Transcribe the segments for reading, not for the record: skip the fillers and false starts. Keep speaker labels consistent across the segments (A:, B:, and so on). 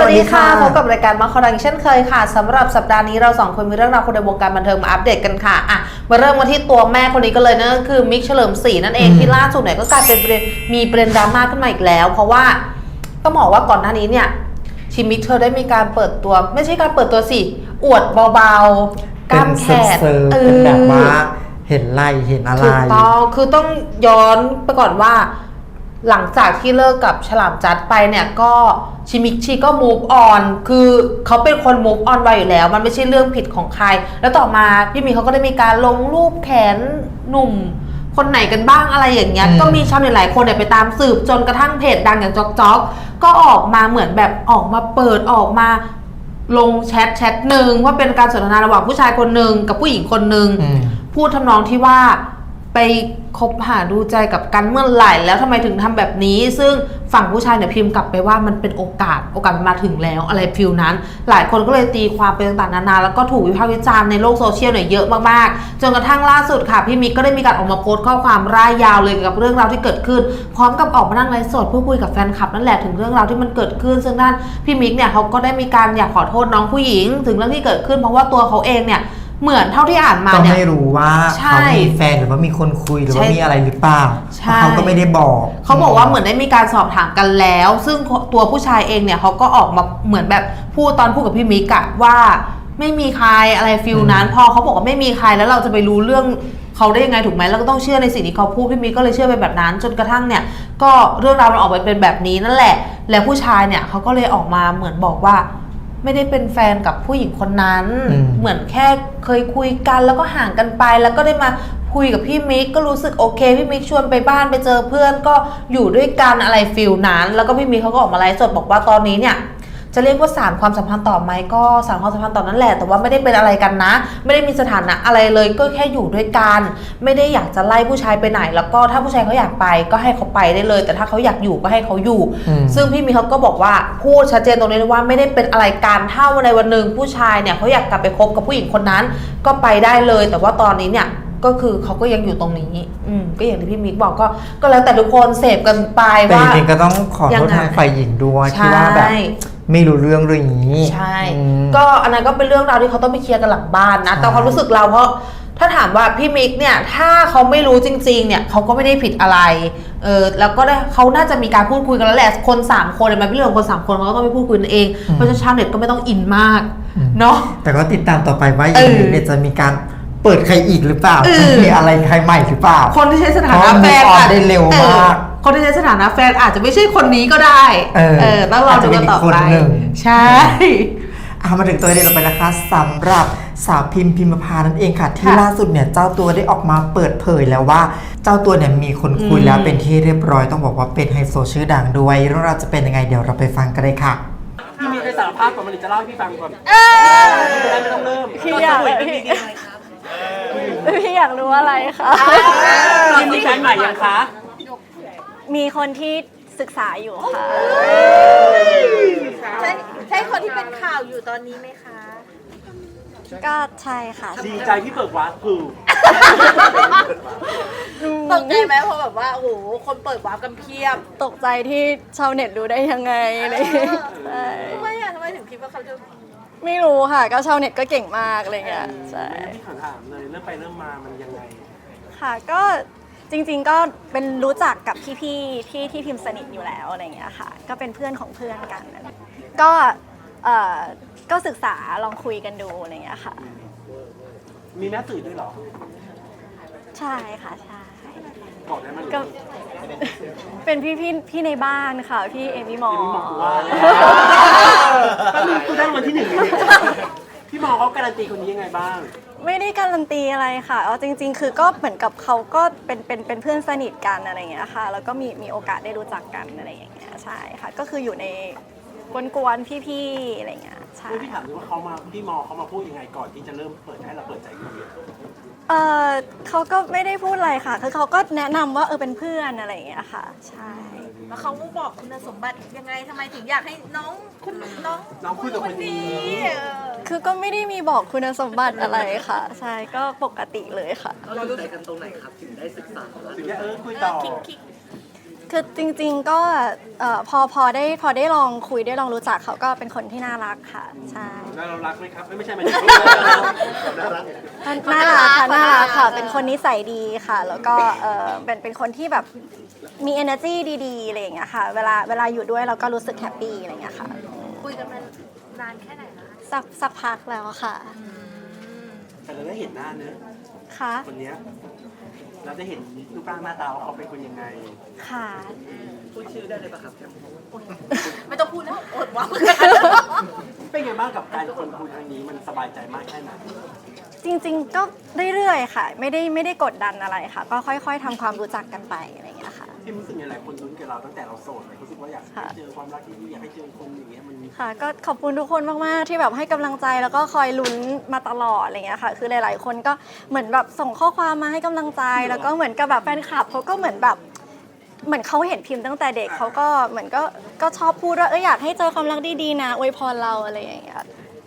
A: ดีค่ะพบกับรายการมาคอดังเช่นเคยค่ะสำหรับสัปดาห์นี้เราสองคนมีเรื่องราวคนในวงการบันเทิงมาอัปเดตกันค่ะมาเริ่มกันที่ตัวแม่คนนี้ก็เลยนั่นก็คือมิกเฉลิมศรีนั่นเองที่ล่าสุดเนี่ยก็กลายเป็นมีประเด็นดราม่าขึ้นมาอีกแล้วเพราะว่าต้องบอกว่าก่อนหน้านี้เนี่ยชิมิกเธอได้มีการเปิดตัวไม่ใช่การเปิดตัวสิอวดเบาๆกล้ามแขน
B: เป็นแบบว่าเห็นไหล่เห็นอะไร
A: ถูกต้องคือต้องย้อนไปก่อนว่าหลังจากที่เลิกกับฉลามจัดไปเนี่ยก็ชิมิกชีก็ move on คือเขาเป็นคน move on ไวอยู่แล้วมันไม่ใช่เรื่องผิดของใครแล้วต่อมาพี่มีเขาก็ได้มีการลงรูปแขนหนุ่มคนไหนกันบ้างอะไรอย่างเงี้ยก็มีชาวเน็ตหลายคนเนี่ยไปตามสืบจนกระทั่งเพจดังอย่างจ๊อกก็ออกมาเหมือนแบบออกมาเปิดออกมาลงแชทหนึ่งว่าเป็นการสนทนาระหว่างผู้ชายคนหนึ่งกับผู้หญิงคนหนึ่งพูดทำนองที่ว่าไปคบหาดูใจกับกันเมื่อไหร่แล้วทำไมถึงทำแบบนี้ซึ่งฝั่งผู้ชายเนี่ยพิมพ์กลับไปว่ามันเป็นโอกาสมันมาถึงแล้วอะไรฟิลนั้นหลายคนก็เลยตีความไปต่างๆนานาแล้วก็ถูกวิพากษ์วิจารณ์ในโลกโซเชียลเนี่ยเยอะมากๆจนกระทั่งล่าสุดค่ะพี่มิกก็ได้มีการออกมาโพสต์ข้อความร่ายยาวเลยเกี่ยวกับเรื่องราวที่เกิดขึ้นพร้อมกับออกมานั่งไลฟ์สดพูดคุยกับแฟนคลับนั่นแหละถึงเรื่องราวที่มันเกิดขึ้นซึ่งด้านพี่มิกเนี่ยเขาก็ได้มีการอยากขอโทษน้องผู้หญิงถึงเรื่องที่เกิดขึ้นเพราะว่าตัวเขาเองเนี่ยเหมือนเท่าที่อ่านมาเนี่ย
B: ก็ไม่รู้ว่าเขามีแฟนหรือว่ามีคนคุยหรือว่ามีอะไรหรือเปล่าเขาก็ไม่ได้บอก
A: เขาบอกว่าเหมือนได้มีการสอบถามกันแล้วซึ่งตัวผู้ชายเองเนี่ยเขาก็ออกมาเหมือนแบบพูดกับพี่มิกอะว่าไม่มีใครอะไรฟิลนั้นพอเขาบอกว่าไม่มีใครแล้วเราจะไปรู้เรื่องเขาได้ยังไงถูกไหมเราก็ต้องเชื่อในสิ่งที่เขาพูดพี่มิกก็เลยเชื่อไปแบบนั้นจนกระทั่งเนี่ยก็เรื่องราวมันออกไปเป็นแบบนี้นั่นแหละแล้วผู้ชายเนี่ยเขาก็เลยออกมาเหมือนบอกว่าไม่ได้เป็นแฟนกับผู้หญิงคนนั้นเหมือนแค่เคยคุยกันแล้วก็ห่างกันไปแล้วก็ได้มาคุยกับพี่มิกก็รู้สึกโอเคพี่มิกชวนไปบ้านไปเจอเพื่อนก็อยู่ด้วยกันอะไรฟิลนั้นแล้วก็พี่มิกเขาก็ออกมาไลฟ์สดบอกว่าตอนนี้เนี่ยจะเรียกว่าสานความสัมพันธ์ต่อไหมก็สานความสัมพันธ์ต่อนั่นแหละแต่ว่าไม่ได้เป็นอะไรกันนะไม่ได้มีสถานะอะไรเลยก็แค่อยู่ด้วยกันไม่ได้อยากจะไล่ผู้ชายไปไหนแล้วก็ถ้าผู้ชายเขาอยากไปก็ให้เขาไปได้เลยแต่ถ้าเขาอยากอยู่ก็ให้เขาอยู่ซึ่งพี่มีเขาก็บอกว่าพูดชัดเจนตรงนี้ว่าไม่ได้เป็นอะไรกันถ้าวันใดวันหนึ่งผู้ชายเนี่ยเขาอยากกลับไปคบกับผู้หญิงคนนั้นก็ไปได้เลยแต่ว่าตอนนี้เนี่ยก็คือเขาก็ยังอยู่ตรงนี้ก็อย่างที่พี่มิกบอกก็แล้วแต่ทุกคนเสพกันไปว่า
B: แต่จริงๆก็ต้องขอโทษทางฝ่ายหญิงด้วยที่ว่าแบบไม่รู้เรื่องนี้
A: ใช่ก็อันนั้นก็เป็นเรื่องราวที่เขาต้องไปเคลียร์กันหลังบ้านนะแต่ความรู้สึกเราเพราะถ้าถามว่าพี่มิกเนี่ยถ้าเขาไม่รู้จริงๆเนี่ยเขาก็ไม่ได้ผิดอะไรแล้วก็ได้เขาน่าจะมีการพูดคุยกันแล้วแหละคน3คนมันเป็นเรื่องของคน3คนเขาก็ต้องไปพูดคุยกันเองเพราะฉะนั้นชาวเน็ตก็ไม่ต้องอินมากเนาะ
B: แต่ก็ติดตามต่อไปว่าอย่างนี้เนี่ยจะมีการเปิดใครอีกหรือเปล่าจะมีอะไรใครใหม่หรือเปล่า
A: คนที่ใช้สถานะแฟน
B: ได้เร็วมาก
A: คนที่ใช้สถานะแฟนอาจจะไม่ใช่คนนี้ก็ได้ต้องรอดูกันต่อไปใช่
B: มาถึงตัวเด็นต่อไปนะคะสำหรับสาวพิมพานั่นเองค่ะที่ล่าสุดเนี่ยเจ้าตัวได้ออกมาเปิดเผยแล้วว่าเจ้าตัวเนี่ยมีคนคุยแล้วเป็นที่เรียบร้อยต้องบอกว่าเป็นไฮโซชื่อดังด้วยเรื่องราวจะเป็นยังไงเดี๋ยวเราไปฟังกันเลยค่ะ
C: พี่มีใครสารภาพก่อนมันจะเล่าให้พี่ฟังก่อนไม่ต้องเริ่ม
D: พี่อยากรู้อะไรคะ
C: พี่มีแฟนใหม่ยังคะ
D: มีคนที่ศึกษาอยู่ค่ะ
E: ใช่คนที่เป็นข่าวอยู่ตอนนี้ไหมคะ
D: ก็ใช่ค่ะ
C: ดีใจที่เปิดวาร์ปคือ
E: ตกใจไหมเพราะแบบว่าโอ้โหคนเปิดวาร์ปกันเพียบ
D: ตกใจที่ชาวเน็ตรู้ได้ยังไงเลย
E: ทำไมถึงคิดว่าเขาจะ
D: ไม่รู้ค่ะก็ชาวเน็ตก็เก่งมากอะไรเงี้ยใช่
C: พี่ถามเลยเริ่มไปเริ่มมามันยังไง
D: ค่ะก็จริงๆก็เป็นรู้จักกับพี่ๆที่พิมพ์สนิทอยู่แล้วอะไรเงี้ยค่ะก็เป็นเพื่อนของเพื่อนกันก็ศึกษาลองคุยกันดูอะไรเงี้ยค่ะ
C: มีแม่สื่อด้วยเหรอ
D: ใช่ค่ะใช่
C: บอกได้ไหม
D: ก็เป็นพี่ในบ้านค่ะพี่เอมี่มอ
C: ก็มีคุณได้วันที่1พี่มอเขาการันตีคนนี้ยังไงบ้าง
D: ไม่ได้การันตีอะไรค่ะเอาจริงๆคือก็เหมือนกับเขาก็เป็นเพื่อนสนิทกันอะไรอย่างเงี้ยค่ะแล้วก็มีโอกาสได้รู้จักกันอะไรอย่างเงี้ยใช่ค่ะก็คืออยู่ในกวนๆพี่ๆอะไรอย่างเงี้ยใช่
C: พี่ถามว่าพี่มอเขามาพูดยังไงก่อนที่จะเริ่มเปิดให้เราเปิดใจคุย
D: เขาก็ไม่ได้พูดอะไรค่ะคือเขาก็แนะนำว่าเป็นเพื่อนอะไรอย่างเงี้ยค่ะใช่
E: แล้วเขาบอกคุณสมบัติยังไงทำไมถึงอยากให้น้อง
C: คุยกับคนนี้
D: คือก็ไม่ได้มีบอกคุณสมบัติอะไรค่ะใช่ก็ปกติเลยค่ะ
F: เรารู้ใจกันตรงไหนครับถึงได้ศึกษา
C: ถึงได้คุยต่อ
D: คือจริงๆก็พอได้ลองคุยได้ลองรู้จักเขาก็เป็นคนที่น่ารักค่ะใช่
C: แล้วเรารักไหมครับไม่ใช่หมายถึงน่ารัก
D: น่ารักค่ะน่ารักค่ะเป็นคนนิสัยดีค่ะ แล้วก็เป็นคนที่แบบมี energy ดีๆอะไรอย่างเงี้ยค่ะเวลาอยู่ด้วยเราก็รู้สึกแฮปปี้อะไรอย่างเงี้ยค่ะ
E: คุยกันมานานแค่ไหนคะ
D: สักพักแล้วค่ะ
C: แต่เราได้เห็นหน้าเนอะ
D: ค่ะ
C: คนเนี้ยเราได้เห็นรูปร่างหน้าตาว่าเขาเป็นคนยังไง
D: ค่ะ
C: พูดชื่อได้เลยปะครับ
E: ไม่ต้องพูดแล้วอดว่า
C: เป็นไงบ้างกับการคนคุยครั้งนี้มันสบายใจมากแค่ไหน
D: จริงๆก็เรื่อยๆค่ะ ไม่ได้กดดันอะไรค่ะ ก็ค่อยๆทำความรู้จักกันไปอะไรอย่างเงี้ยค่ะ
C: ที่รู้สึกยังไงหลายคนลุ้นกับเราตั้งแต่เราโสดรู้สึกว่าอยากให้เจอความรักที่ดีอยากให้เจอคนอย่างเงี้ยมัน
D: ค่ะก็ขอบคุณทุกคนมากๆที่แบบให้กำลังใจแล้วก็คอยลุ้นมาตลอดอะไรเงี้ยค่ะ คือหลายๆคนก็เหมือนแบบส่งข้อความมาให้กำลังใจแล้วก็เหมือนกับแบบแฟนคลับเขาก็เหมือนแบบเหมือนเขาเห็นพิมพ์ตั้งแต่เด็กเขาก็เหมือนก็ชอบพูดว่าอยากให้เจอความรักดีๆนะอวยพรเราอะไรอย่างเงี้ย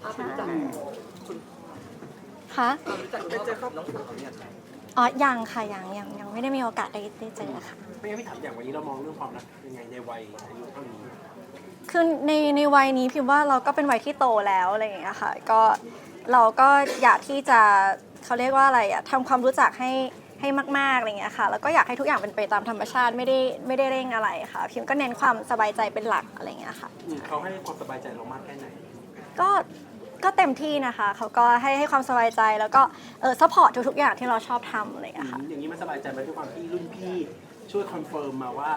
D: ค่ะอ๋อยังค่ะยังไม่ได้มีโอกาสได้เจอค่ะ
C: ไม่งั้นพี่ถามอย่างวันนี้เรามองเรื่องความรักยังไงในวัยอายุเท่านี้
D: คือในวัยนี้พิมว่าเราก็เป็นวัยที่โตแล้วอะไรอย่างเงี้ยค่ะก็เราก็อยากที่จะเขาเรียกว่าอะไรอะทำความรู้จักให้มากๆอะไรเงี้ยค่ะแล้วก็อยากให้ทุกอย่างเป็นไปตามธรรมชาติไม่ได้เร่งอะไรค่ะพิมก็เน้นความสบายใจเป็นหลักอะไรเงี้ยค่ะ
C: เขาให้ความสบายใจเรามากแค่ไหน
D: ก็เต็มที่นะคะเขาก็ให้ความสบายใจแล้วก็ซัพพอร์ตทุกๆอย่างที่เราชอบทำอะไรเงี้ยค่ะ
C: อย่างนี้มันสบายใจไหมด้วยความที่รุ่นพี่ช่วยคอนเฟิร์มมาว่า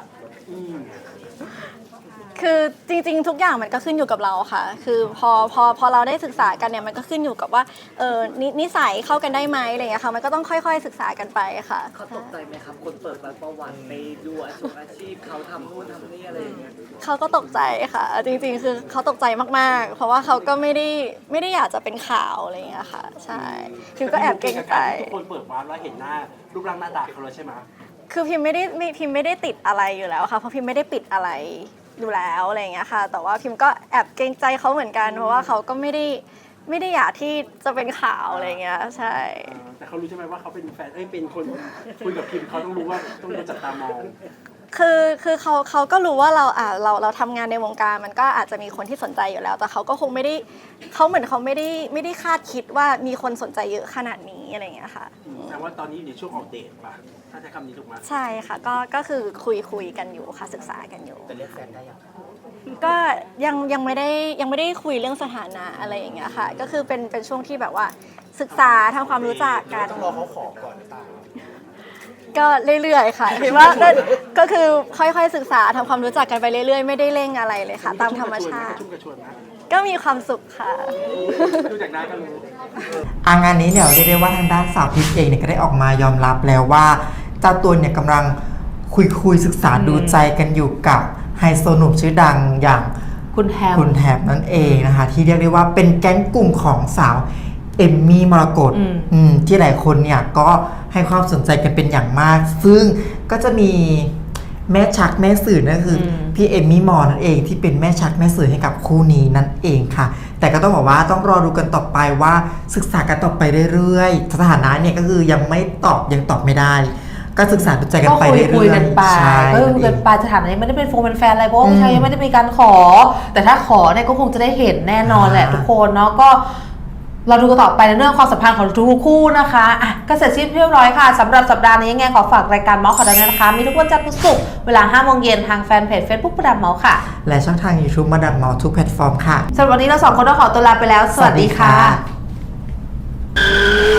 D: คือจริงๆทุกอย่างมันก็ขึ้นอยู่กับเราค่ะ คือพอเราได้ศึกษากันเนี่ยมันก็ขึ้นอยู่กับว่านิสัยเข้ากันได้ไหมอะไรอย่างเงี้ยค่ะมันก็ต้องค่อยๆศึกษากันไปค่ะ
F: เขาตกใจไหมครับ คนเปิดประวัติไปดูอาชีพเขาทำนู่นทำนี่อะไรอย่างเงี้ย
D: เขาก็ตกใจค่ะ จริงๆ คือเขาตกใจมากๆ เพราะว่าเขาก็ไม่ได้อยากจะเป็นข่าวอะไรอย่างเงี้ยค่ะ ใช่พิมก็แอบเกรงใจ
C: ทุกคนเปิดวาร์ปแล้วเห็นหน้ารูปร่างหน้าตาเขาแล้วใช่ไหม
D: คือพิมไม่ได้ติดอะไรอยู่แล้วค่ะ เพราะพิมไม่ได้ปิดอะไรอยู่แล้วอะไรอย่างเงี้ยค่ะ แต่ว่าพิมก็แอบเกรงใจเขาเหมือนกัน เพราะว่าเขาก็ไม่ได้อยากที่จะเป็นข่าวอะไรอย่างเงี้ย ใช่
C: แต่เขารู้ใช่ไหมว่าเขาเป็นแฟนเป็นคนคุยกับพิมเขาต้องรู้ว่าต้องจับตามอง
D: คือเขาก็รู้ว่าเราทำงานในวงการมันก็อาจจะมีคนที่สนใจอยู่แล้ว แต่เขาก็คงไม่ได้เขาเหมือนเขาไม่ได้คาดคิดว่ามีคนสนใจเยอะขนาดนี้อะไรอย่างเงี้ยค่ะ
C: แต่ว่าตอนนี้อยู่ในช่วงออกเดทป่ะถ้าใช้คำนี้ถูกไหม
D: ใช่ค่ะก็คือคุยกันอยู่ค่ะศึกษากันอยู่
F: แต่เรียกแฟนได้ยัง
D: ก็ยังไม่ได้คุยเรื่องสถานะอะไรอย่างเงี้ยค่ะ ก็คือเป็นช่วงที่แบบว่าศึกษาทำความรู้จักกัน
F: ต้องรอเขาขอก่อนหรือเปล่า
D: ก็เรื่อยๆค่ะคิดว่าก็คือค่อยๆศึกษาทำความรู้จักกันไปเรื่อยๆไม่ได้เร่งอะไรเลยค่ะ ตามธรรมชาติ
C: ชุ่มกระชวยนะ
D: ก็มีความสุขค่ะ
C: ดูจากหน้าก็รู้
B: งานนี้เนี่ยเรียกได้ว่าทางด้านสาวพิมเองเนี่ยก็ได้ออกมายอมรับแล้วว่าเจ้าตัวเนี่ยกำลังคุยศึกษาดูใจกันอยู่กับไฮโซหนุ่มชื่อดังอย่าง
A: คุณแถบ
B: นั่นเองนะคะที่เรียกได้ว่าเป็นแก๊งกลุ่มของสาวเอมมี่มรกตที่หลายคนเนี่ยก็ให้ความสนใจกันเป็นอย่างมาก ซึ่งก็จะมีแม่ชักแม่สื่อนั่นคือพี่เอมมี่มอนั่นเองที่เป็นแม่ชักแม่สื่อให้กับคู่นี้นั่นเองค่ะ แต่ก็ต้องบอกว่าต้องรอดูกันต่อไปว่าศึกษากันต่อไปเรื่อยๆสถานะเนี่ยก็คือยังตอบไม่ได้ ก็ศึกษาดูใจกันไปเรื่อยๆ
A: คุยกันไป
B: ใช่
A: ก็คุยกันไปสถานะนี้ไม่ได้เป็นเป็นแฟนอะไรเพราะว่าผู้ชายยังไม่ได้มีการขอ แต่ถ้าขอเนี่ยก็คงจะได้เห็นแน่นอนแหละทุกคนเนาะก็เราดูกันต่อไปในเรื่องความสัมพันธ์ของทุกคู่นะคะอ่ะก็เสร็จสิ้นเรียบร้อยค่ะสำหรับสัปดาห์นี้ยังไงขอฝากรายการเมาส์ข่าวดังนะคะมีทุกวันจันทร์พุธศุกร์เวลา 5 โมงเย็นทางแฟนเพจ Facebook ประดับเมาส์ค่ะ
B: และช่องทาง YouTube มาดับเมาทุกแพลตฟอร์มค่ะ
A: สำหรับวันนี้เราสองคนต้องขอตัวลาไปแล้วสวัสดีค่ะ